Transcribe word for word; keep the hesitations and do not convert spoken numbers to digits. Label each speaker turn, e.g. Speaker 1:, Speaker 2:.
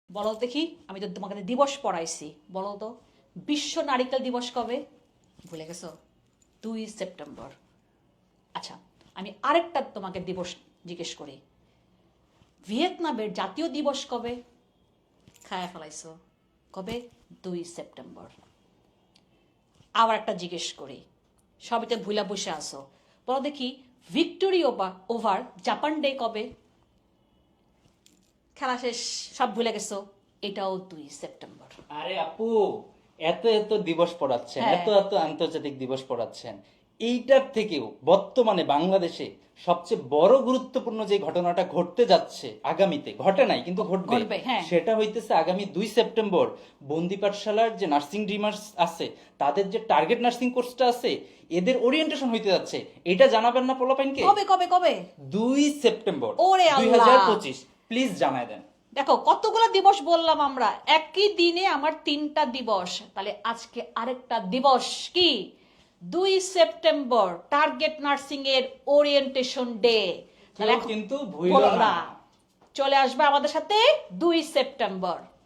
Speaker 1: বলো দেখি, আমি তো তোমাকে দিবস পড়াইছি, বলো তো বিশ্ব নারিকেল দিবস কবে? ভুলে গেছো? দুই সেপ্টেম্বর। আচ্ছা, আমি আরেকটা তোমাকে দিবস জিজ্ঞেস করি, ভিয়েতনামের জাতীয় দিবস কবে? খায়া ফেলাইছো। কবে? দুই সেপ্টেম্বর। আবার একটা জিজ্ঞেস করি, সবিতে ভুলা বসে আসো, বলো দেখি ভিক্টোরি ওভার জাপান ডে কবে? খেলা শেষ, সব ভুলে গেছো। এটাও দুই সেপ্টেম্বর।
Speaker 2: আরে আপু, এত এত দিবস পড়াচ্ছেন,
Speaker 1: হ্যাঁ।
Speaker 2: এত এত আন্তর্জাতিক দিবস পড়াচ্ছেন, এইটার থেকেও বর্তমানে বাংলাদেশে সবচেয়ে বড় গুরুত্বপূর্ণ যে ঘটনাটা ঘটতে যাচ্ছে আগামীতে, ঘটে নাই কিন্তু ঘটবে,
Speaker 1: ঘটবে, হ্যাঁ।
Speaker 2: সেটা হইতেছে আগামী দুই সেপ্টেম্বর বন্দি পাঠশালার যে নার্সিং ডিমার্স আছে, তাদের যে টার্গেট নার্সিং কোর্সটা আছে, এদের ওরিয়েন্টেশন হইতে যাচ্ছে। এটা জানাবেন না পোলাপাইনকে?
Speaker 1: কবে কবে কবে?
Speaker 2: দুই সেপ্টেম্বর
Speaker 1: ওরে
Speaker 2: দুই
Speaker 1: আল্লাহ।
Speaker 2: হাজার পঁচিশ প্লিজ জানায় দেন।
Speaker 1: দেখো কতগুলো দিবস বললাম আমরা, একই দিনে আমার তিনটা দিবস। তাহলে আজকে আরেকটা দিবস কি? দুই সেপ্টেম্বর টার্গেট নার্সিং এর ওরিয়েন্টেশন ডে।
Speaker 2: কেউ কিন্তু ভুইলো না।
Speaker 1: চলে আসবে আমাদের সাথে দুই সেপ্টেম্বর।